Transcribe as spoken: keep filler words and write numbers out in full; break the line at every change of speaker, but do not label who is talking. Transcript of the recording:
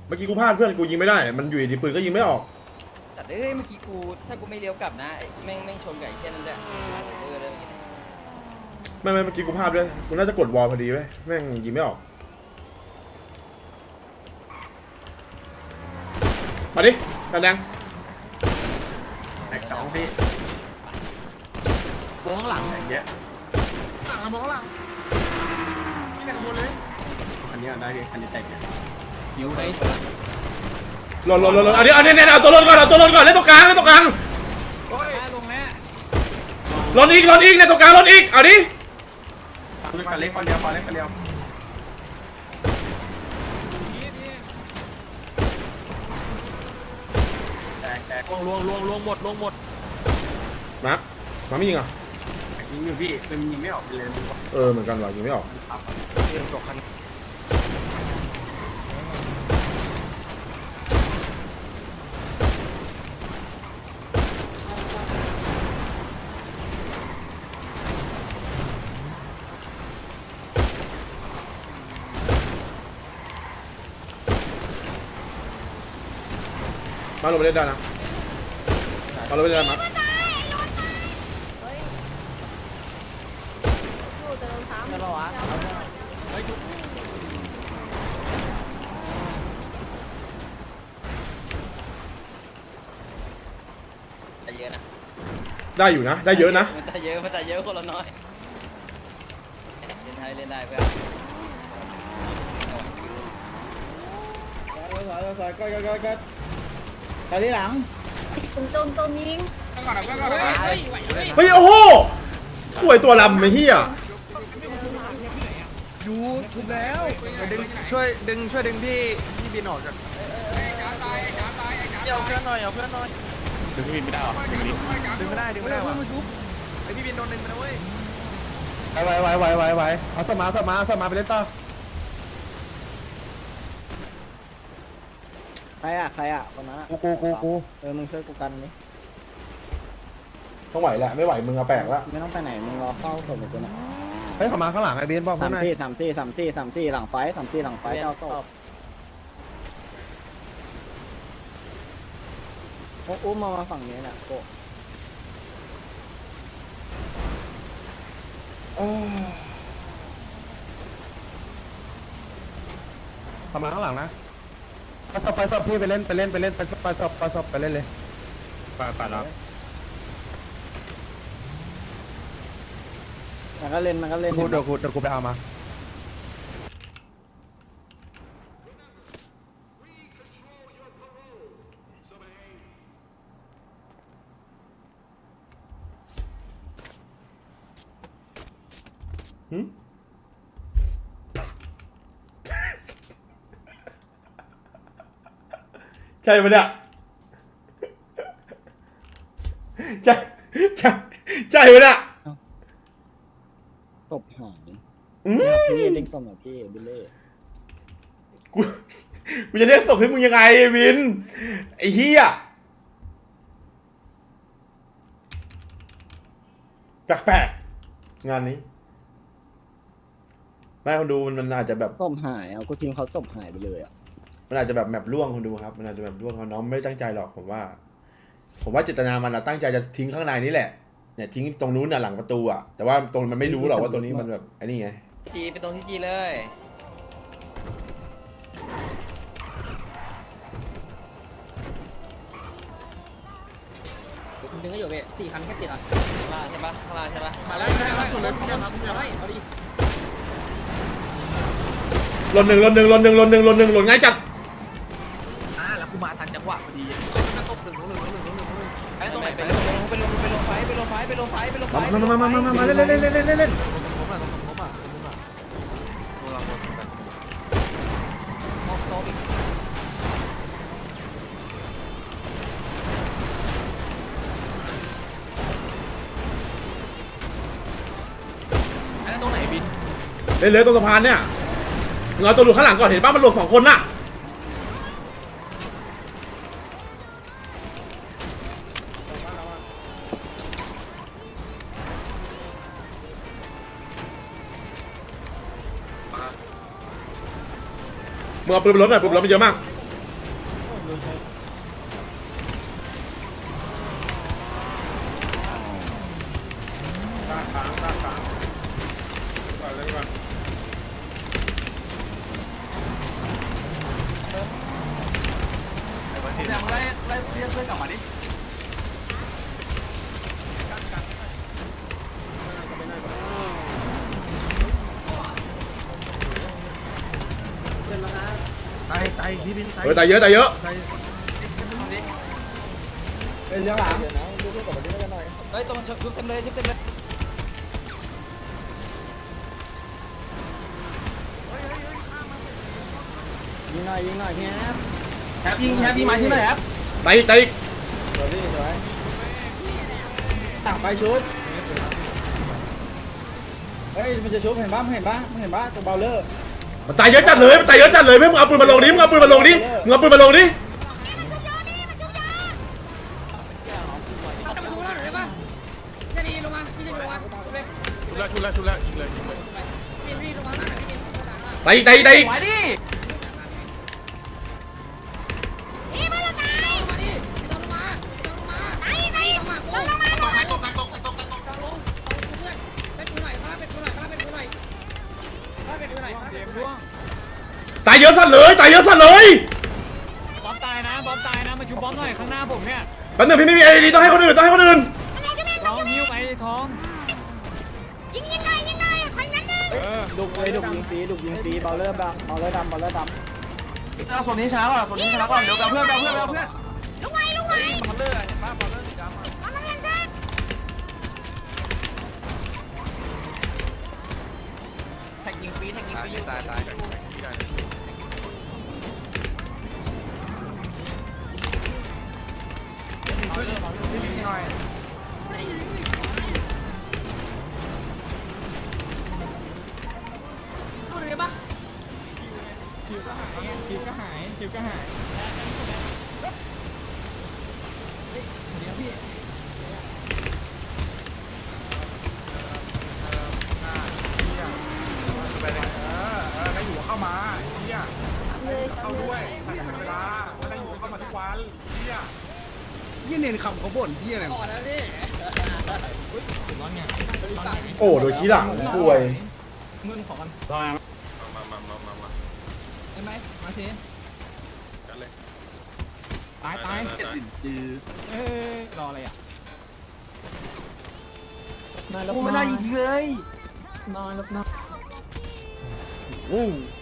เมื่อกี้กูพลาดเพื่อนกูยิงไม่ได้มันอยู่ดีปืนก็ยิงไม่ออก
แต่เอ้ยเมื่อกี้กูถ้ากูไม่เลี้ยวกลับนะแม่งแม่งชนกับไอ้แค่นั้นแหละเออเลย
ไม่ไม่เมื่อกี้กูพลาดด้วยกูน่าจะกดวอลพอดีเว้ยแม่งยิงไม่ออกมาดิกันแดง
แตกสองพี่มองหลังอย่างเงี้ยหลังมองหลังไม่แตกบนเลยอันนี้ได้อันนี้แตกเนี่ยหิวไป
หล่นหล่นหล่นเอาดิเอาเนี่ยเอาตัวหล่นก่อนเอาตัวหล่นก่อนเล่นตรงกลางเล่นตรงกลาง
โอ้ยลงแล้ว
หล่นอีกหล่นอีกเนี่ยตรงกลางหล่นอีกเอาดิ
คือการเล็กคนเดียวคนเล็กคนเดียวแตกแตกลวงลวงลวงลวงหมดลวงหมด
มามาไม่ยิงอ่ะ
ยิงอยู่พี่มันยิงไม่ออกเลย
เออเหมือนกันว่ะยิงไม่ออก
เรื่องตกคัน
มาลงไปเล่นได้นะมาลงไปเล่นได้มั้ย
เยอะนะ
ได้อยู่นะได้เยอะนะ
มันจะเยอะมันจะเยอะคนละน้อยเล่นได้เล่นได้เพื่อน
สายสายก็ก็ก็ไปที่หลัง
ตุ้มตุ้มตุ้มยิง
เฮ้ยโอ้โหสวยตัวลำไอ้เหี้ย
อยู่ชุบแล้วดึงช่วยดึงช่วยดึงพี่พี่บินออกจาก
เอาเพื่อนหน่อยเอาเพื่อนหน่อยดึงพี่บินไม่ได้หรอดึงนี้
ดึงไม่ได้ดึงไม่ได้ว่ะไอพี่บินโดนดึงไปนะเว้ย
ไหวไหวไหวไหวไหวเอาสมาสมาสมาไปเล่นต่อ
ใครอ่ะใครอ่ะคนนั้น
กูกูกูกู
เออมึงช่วยกูกันนี่
ต้องไหวแหละไม่ไหวมึงเอาแปลกละ
ไม่ต้องไปไหนมึงรอเฝ้าศพกูนะ
เฮ้ยเขามาข้างหลังไอ้เบนบอก
สา
ข้าง
ม
ใน
สี่สามสี่สามสี่สามสี่หลังไฟสามสี่หลังไฟเจ้าศพอุ้มมามาฝั่งนี้แหละโก
เขามาข้างหลังนะไปสอบไปสอบพี่ไปเล่นไปเล่นไปเล่นไปไปสอบไปสอบไปเล่นเลย
ไปไปแล้ว
มันก็เล่นมันก็เล่น
กูเดี๋ยวกูเดี๋ยวกูไปเอามา
หืมใช่ปะเนี่ยใช่ใช่ใช่ปะเนี่ย
ตบหายพี่เล็กสมกับพี่บิลเล่
กูกูจะเรียกศพให้มึงยังไงไอ้วินไอ้เหี้ยแปลกๆงานนี้ไม่คนดูมันมันอาจจะแบบ
ศพหายเอากูทิ้งเขาศพหายไปเลยอ่ะ
มันอาจจะแบบแมปล่วงคนดูครับมันอาจจะแบบล่วงเขาน้องไม่ตั้งใจหรอกผมว่าผมว่าเจตนามันตั้งใจจะทิ้งข้างในนี่แหละเนี่ยทิ้งตรงนู้นน่ะหลังประตูอ่ะแต่ว่าตรงมันไม่รู้หรอกว่าตรงนี้มันแบบไอ้นี่ไง
จีไปตรงที่จีเลยคุณดึงก็อยู่เว้ยสี่คันแค่ติดอ่ะข้างล่างใช่ปะข้างล่างใช่ปะมาแล้วมาแล้วคนเลยคุณจะมาคุณจะมาเอาดิ
หล่นหนึ่งหล่นหนึ่งหล่นหนึ่งหล่นหนึ่งหล่นหนึ่งหล่นง่ายจัด
อ่าแล้วกูมาทันจังหวะพอดีมาตบหนึ่งหนึ่งหนึ่งหนึ่งหนึ่งหนึ่ง
ไปตรงไหนไปลงไปลงไปลงไฟไปลงไฟไปลงไฟไปลงไฟ
มามามามามามาเล่นเล่นเล่นเล่นเล่นเล่น
ผมอ่ะผมอ่ะผมอ่ะผมอ่ะผมอ่ะ
มองโต๊ะตรงไหนบิน
เล่นเลยตรงสะพานเนี่ยมึงเอาตัวหลุดข้างหลังก่อนเห็นป่ะมันหลุดสองคนน่ะมึงเอาปืนไปรถหน่อยปืนไปรถมันเยอะมาก
เนี่ยมึงไล่ไล่เรียกเพื่อนกลับมาดิตายตายพี่บินตาย
เออตายเยอะตายเยอะ
เป็นเรื่องหลัง
เฮ้ยตรงชุบเต็มเลยชุบเต็มเลย
ยิงหน่อยยิงหน่อยพี่แอฟ
แฮปยิงแฮปยิงมาที่ไหนแฮป
ตายอีกตายอีก
สวยพี่สวยต่างไปชุบเฮ้ยมันจะชุบเห็นป่ะมึงเห็นป่ะมึงเห็นป่ะตรงเบลเลอร์
มันตายเยอะจัดเลยมันตายเยอะจัดเลยเพื่อนมึงเอาปืนมาลงดิมึงเอาปืนมาลงดิมึงเอาปืนมาลงดิ
จะมาดูแล้วหรือปะจะดีลงมาพี่จะลงมาชุบเลย
ชุบแล้วชุบแล้วชุบแล้วยิงเลยยิงเลย
พี่พี่ลงมาหน้าพี่
ตายอีกตายอีกตายอีก
ไหวดิ
นี่มาแล้วไง
มาดิลงมาลงมา
ไหนไหนลงมาลงมาลงมา
ตกตกตกตกตกลงเพื่อนเป็นกูหน่อยข้าเป็นกูหน่อยข้าเป็นกูหน่อยข้าเป็นกูหน่อยเกมร่วง
ตายเยอะสัตว์เลยตายเยอะสัตว์เลย
บอมตายนะบอมตายนะมาชูบอมหน่อยข้างหน้าผมเนี่ย
แป๊บนึงพี่ไม่มีไอดีต้องให้คนอื่นต้องให้คนอื่น
ท้องนิ้วไปท้อง
ยิงยิงหน่อยยิงหน่อยคนนั้นเลย
ดุกเลยดุกยิงฟรีดุกยิงฟรีเบลเลอร์ดำเบลเลอร์ดำเบลเลอร์ดำ
เอาส่วนนี้ช้าก่อนส่วนนี้ช้าก่อนเดี๋ยวกับเพื่อนกับเพื่อนกับเพื่อน
ลุงไว้ลุงไว้
บอลเลอร์เห็นป่ะบอลเลอร์สีดำ
มามาเรียนเส้น
แท็กยิงฟรีแท็กยิงฟรีตายตาย
ดูดิปะ
ได้อยู่เข้ามาเฮียเข้าด้วยใส่เวลาได้อยู่เข้ามาทุกวันเฮีย
ยี่เนียนคำเขาบ่นที่อะไร
ก่อนแล้วดิ
โอ้โดยขี้หลังป่วย
มามามามามามา
เห็นไหมมาสิ
กันเลย
ตายตาย
จือ
เอ้รออะไรอ่ะ
กูไม่ได้ยิงเลย
นอนแล้วนอน
อู้
เ